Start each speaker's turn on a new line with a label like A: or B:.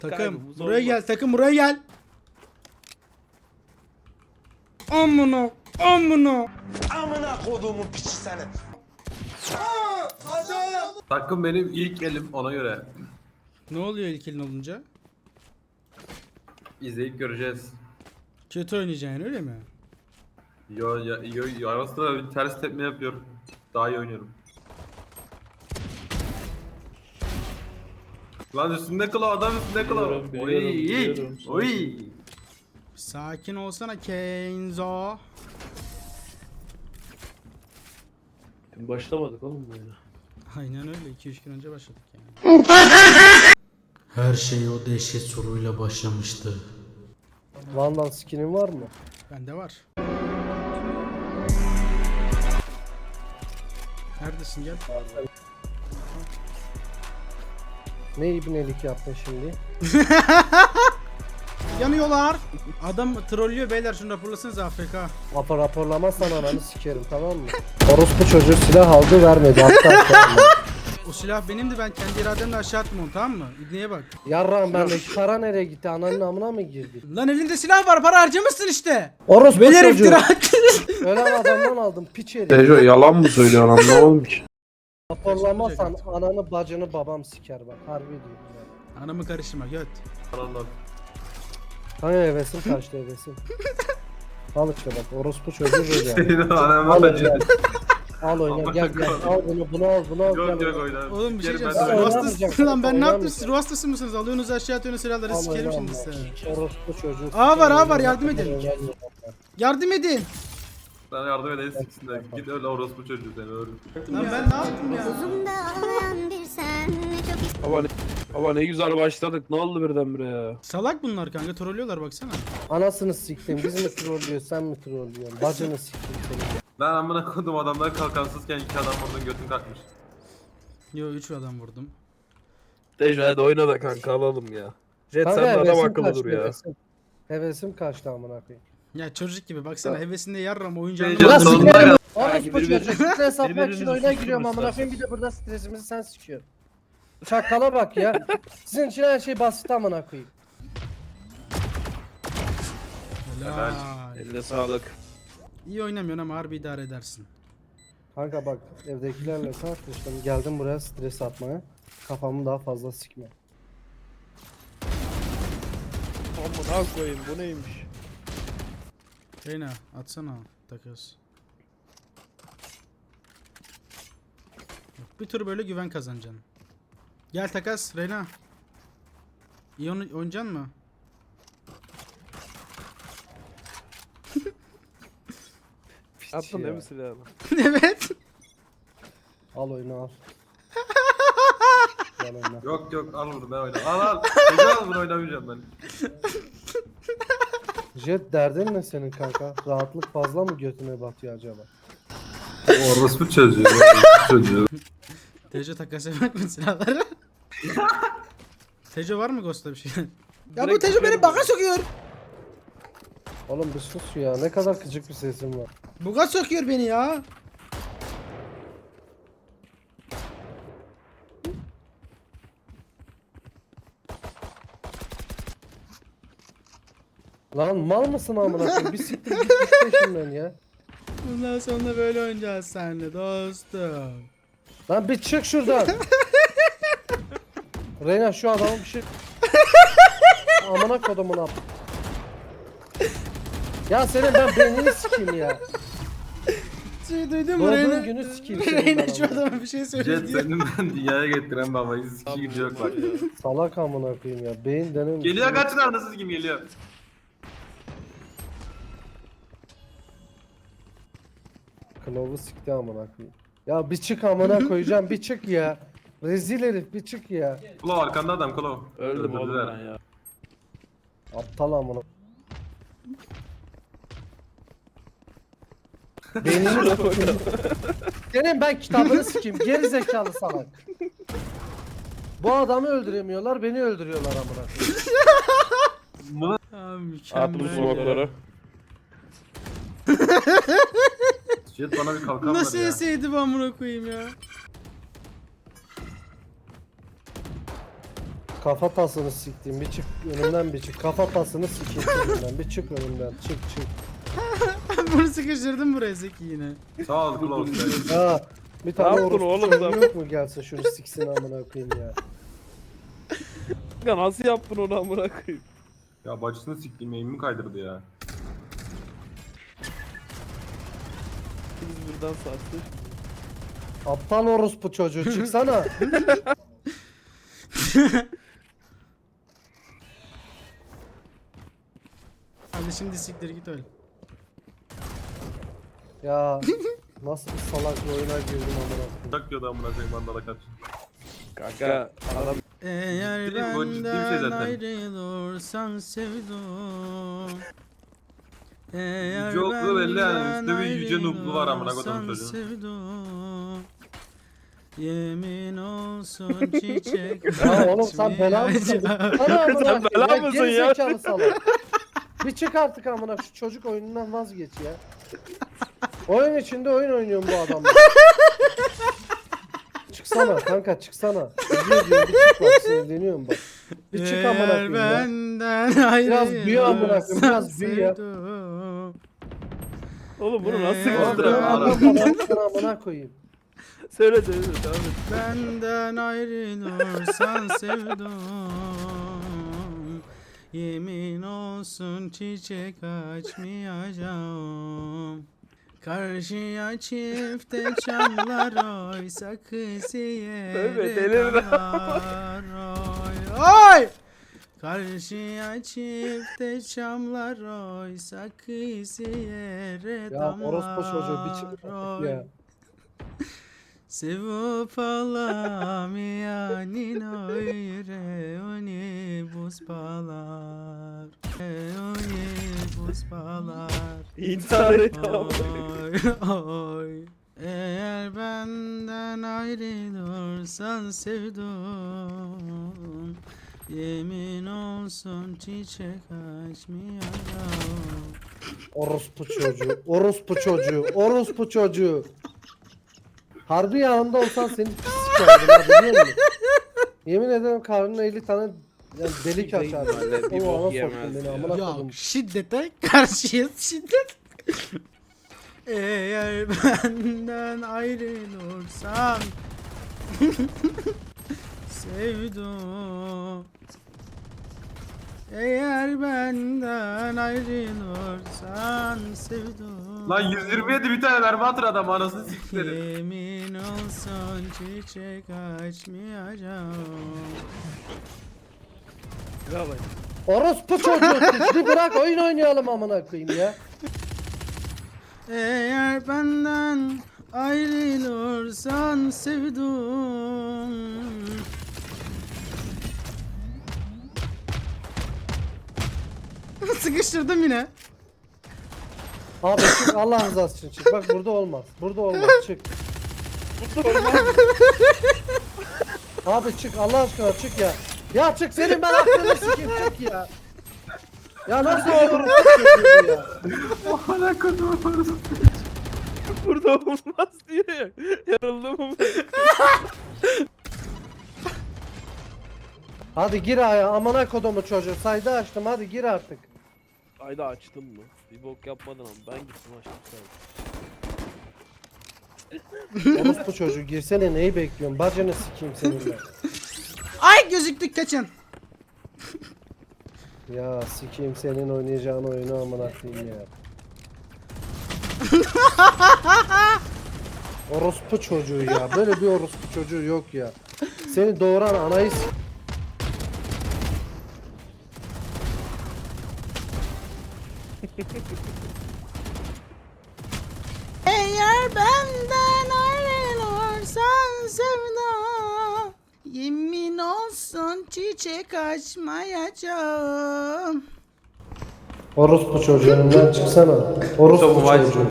A: Takım buraya gel, takım buraya gel. Amına
B: koduğumun piçi seni.
C: Takım benim ilk elim ona göre.
A: Ne oluyor ilk elin olunca?
C: İzleyip göreceğiz.
A: Kötü oynayacaksın öyle mi?
C: Yo arasında bir ters tepme yapıyor. Daha iyi oynuyorum. Lan üstünde kıla adam üstünde kıla.
D: Biliyorum.
C: Oy.
A: Sakin olsana Kenzo.
D: Başlamadık oğlum böyle.
A: Aynen öyle 2-3 gün önce başladık yani. Her şey o dehşet soruyla başlamıştı.
E: Vandal skinin var mı?
A: Bende var. Neredesin gel.
E: Ne ibnelik yaptın şimdi?
A: Yanıyorlar. Adam trollüyor beyler şunu raporlasanız AFK.
E: Raporlamazsan ananı sikerim, tamam mı? Orospu çocuğu silah aldı vermedi hatta.
A: O silah benimdi, ben kendi irademle aşağı attım onu, tamam mı? İbneye bak.
E: Yarrağım bendeki para nereye gitti? Ananın amına mı girdi?
A: Lan elinde silah var, para harcamışsın işte.
E: Orospu
A: Beyler
E: çocuğu.
A: iftira attı.
E: Ölen adamdan aldım piç herif.
D: Tejo yalan mı söylüyor lan ne olmuş?
E: Raporlamazsan ananı bacını babam siker bak, harbi diyorum yani.
A: Anamı karıştırma göt.
C: Anladım.
E: Hani hevesim kaçtı hevesim. Al işte bak orospu çocuğu böyle yani.
C: Senin anama
E: Al
C: da
E: oyna. Al oyna gel gel al bunu al
C: Yok
E: gel.
C: yok oynar.
A: Oğlum bir şey
C: Sikerim
A: diyeceğim.
C: ben de
A: Siz
C: oynar.
A: ruh hastasın lan, ben ne yaptım?
E: Oynamayacağım.
A: Siz ruh hastası mısınız? Alıyorsunuz aşağı atıyorsunuz silahları,
E: Al
A: sikerim
E: oyna
A: şimdi
E: Allah.
A: size.
E: Orospu çocuğu.
A: Aa var,
E: siker,
A: yardım
E: oyna.
A: edin. Yardım edin.
C: Sana yardım edeyim siksinler. Git öyle orospu çocuğu seni öyle.
A: Lan ben ne yaptım ya?
F: Uzumda ağlayan bir sen çok
D: Ama ne güzel başladık ne oldu birdenbire ya?
A: Salak bunlar kanka, trollüyorlar baksana.
E: Anasını siktim. Biz mi trollüyor sen mi trollüyorsun? Bacını siktim seni.
C: Ben amına koydum adamlar kalkansızken iki adam vurdun götün kalkmış.
A: Yo 3 adam vurdum.
D: Tejo hadi oyna da kanka alalım ya. Jet
E: Kanka,
D: sen de adam
E: hevesim
D: akıllı
E: kaçtı,
D: dur ya.
E: hevesim. Hevesim kaçtı amına koyayım.
A: Ya çocuk gibi baksana, hevesinde yarram oyuncağını.
C: Ya
E: Ulan
C: sonunda
E: sikerim.
C: ya.
E: Orospu
D: birbirinizi-
E: çocuğu. Stres atmak için
D: birbirinizi
E: oyuna
D: susturun
E: giriyorum amına
D: istersen.
E: koyayım, bir de burada stresimizi sen sikiyorsun. Çakala bak ya. Sizin için her şey basit amına koyayım.
A: Helal.
D: Eline sağlık.
A: İyi oynamıyorsun ama harbi idare edersin.
E: Kanka bak evdekilerle tartıştım. Geldim buraya stres atmaya. Kafamı daha fazla sikme.
D: Amına koyayım bu neymiş?
A: Reyna atsana takas. Bir tur böyle güven kazanacaksın. Gel takas Reyna. İyi oynayacaksın mı?
D: Attın değil mi silahını?
A: Evet.
E: Al oyunu al. Gel oyna.
C: Yok yok al bunu ben oynarım. Al. Çocuğu al bunu oynamayacağım ben.
E: Jet derdin ne senin kanka? Rahatlık fazla mı götüne batıyor acaba?
C: Orospu çocuğu. Çocuğu.
A: Tejo takas yapmak mı silahları? Tejo var mı Ghost'ta bir şey? Ya bu Tejo beni baka sokuyor.
E: Oğlum bir sus ya. Ne kadar gıcık bir sesin var.
A: Buga sokuyor beni ya.
E: Lan mal mısın amına koyayım? Bir siktir git peşimden ya.
A: Bundan sonra böyle oynayacağız seninle dostum.
E: Lan bir çık şuradan. Reyna şu adamı bir şey... Amına kodumun ab. Ya senin ben beynini sikeyim ya.
A: Şey duydun mu
E: Doğduğun
A: Reyna?
E: günü sikeyim senin
A: Reyna
E: ben
A: şu
E: amına.
A: adama bir şey söyledi
C: Jet
A: diyor.
C: senin ben dünyaya getiren babayı sikişi gücü yok bak.
E: Salak amına koyayım ya. Beyin denen...
C: Geliyor kaçın anasız kim geliyor.
E: Kılavu sikti amına koyayım. Ya bir çık amına koyacağım bir çık ya. Rezil herif bir çık ya.
C: Kulav arkanda adam kulav.
D: Öldüm oğlum
C: Öldürdüler.
D: ben ya.
E: Aptal amına. Beynini sokayım. Senin ben kitabını sikeyim. Geri zekalı salak. Bu adamı öldüremiyorlar, beni öldürüyorlar amına koyayım.
A: Aa,
D: Attım
A: mükemmel.
D: smoke'ları.
C: Jet bana bir kalkan
A: Nasıl
C: ver ya.
A: yeseydi bu amına koyayım ya?
E: Kafatasını siktim. Bir çık önümden bir çık. Kafatasını sikeyim önümden. Bir çık önümden. Çık.
A: Bunu sıkıştırdım buraya Zeki yine.
C: Sağ ol Klaus.
E: Ha. Bir tane
D: Ne yaptın
E: orospu
D: oğlum
E: çocuğu
D: sen?
E: yok mu gelsin şunu siksin amına koyayım ya.
D: Kanka nasıl yaptın onu amına koyayım?
C: Ya bacısını siktiğim eğimimi kaydırdı ya.
D: Biz buradan sattı.
E: Aptal orospu çocuğu çıksana.
A: Hadi şimdi siktir git öyle.
E: Ya nasıl bir salak bir oyuna girdim amına koyayım.
C: Tak diyordu amına koyayım mandala kaç.
D: Kanka adam
A: Eğer
C: Ciddi mi? Bu ciddi bir şey
A: benden
C: zaten.
A: ayrılırsan sevdum. Eğer
C: Yüce oklu belli yani.
A: benden
C: Üstte bir yüce nublu var amına koydum
A: ayrılırsan
C: çocuğun.
A: sevdum. Yemin olsun çiçek
E: Ya oğlum sen bela mısın? Sana amına
D: Sen bela
E: koyayım.
D: mısın ya?
E: Gerizekalı salak. Bir çık artık amına şu çocuk oyunundan vazgeç ya. Oyun içinde oyun oynuyorum bu adamla. Çıksana kanka çıksana. Üzüyor diyor bir çık bak sinirleniyorum bak. Bir çık amına koyayım ya.
A: benden
E: Biraz büyü amına koyayım,
A: ayrılırsan
E: biraz büyü ya.
A: sevdum.
D: oğlum bunu nasıl
A: Ee,
E: Oğlum
D: göstereyim?
C: Ara.
E: amına koyayım.
D: Söyle devam et.
A: Benden ayrılırsan sevdum. Yemin olsun çiçek açmayacağım. Karşıya çifte çamlar oysa kız
D: Tövbe,
A: yere
D: delirme.
A: damlar oy. Karşıya çifte çamlar oysa kız yere
E: Ya orospu çocuğu bir çık
A: damlar
E: artık
A: oy.
E: ya.
A: Sevip alamayanın öyle oni buz balar. Oni buz balar.
D: İntihar et ama.
A: Oy oy. Eğer benden ayrılırsan sevdum. Yemin olsun çiçek açmayacağım.
E: Orospu çocuğu. Orospu çocuğu. Orospu çocuğu. Harbi yanında olsan seni pis sikerdim ha biliyor musun? Yemin ederim karnına 50 tane yani delik
D: Sikeyim
E: açardım.
D: böyle, bir
E: O
D: bok
E: ana
D: yemez
E: soktun beni
D: ya.
E: amına
A: Ya
E: koydum.
A: şiddete karşıyız şiddet. Eğer benden ayrılırsan sevdum. Eğer benden ayrılırsan sevdum.
C: Lan 127 bir tane mermi atır adam anasını siktirin.
A: Yemin olsun çiçek açmayacağım.
D: Ya bak.
E: Orospu çocuğu pisli bırak oyun oynayalım amına koyayım ya.
A: Eğer benden ayrılırsan sevdum. Sıkıştırdım yine.
E: Abi çık Allah rızası için çık. Bak burada olmaz. Burada olmaz çık. Abi çık Allah aşkına çık ya. Ya çık senin ben aklını sikeyim çık ya. Ya nasıl olur bu ya?
C: Amına koydum.
D: Burada olmaz diyor ya. Yarıldım mı?
E: Hadi gir aya amına kodumu çocuğu. Sayda açtım hadi gir artık.
D: Ayda açtın mı? Bir bok yapmadın ama ben gittim açtım sadece.
E: Orospu çocuğu girsene neyi bekliyorsun? Bacını sikeyim seninle.
A: Ay gözüktük kaçın.
E: Ya sikeyim senin oynayacağın oyunu amına koyayım ya. Orospu çocuğu ya. Böyle bir orospu çocuğu yok ya. Seni doğuran anayı
A: Eğer benden ayrılırsan sevdum. Yemin olsun çiçek açmayacağım.
E: Orospu çocuğundan çıksana. Orospu çocuğu.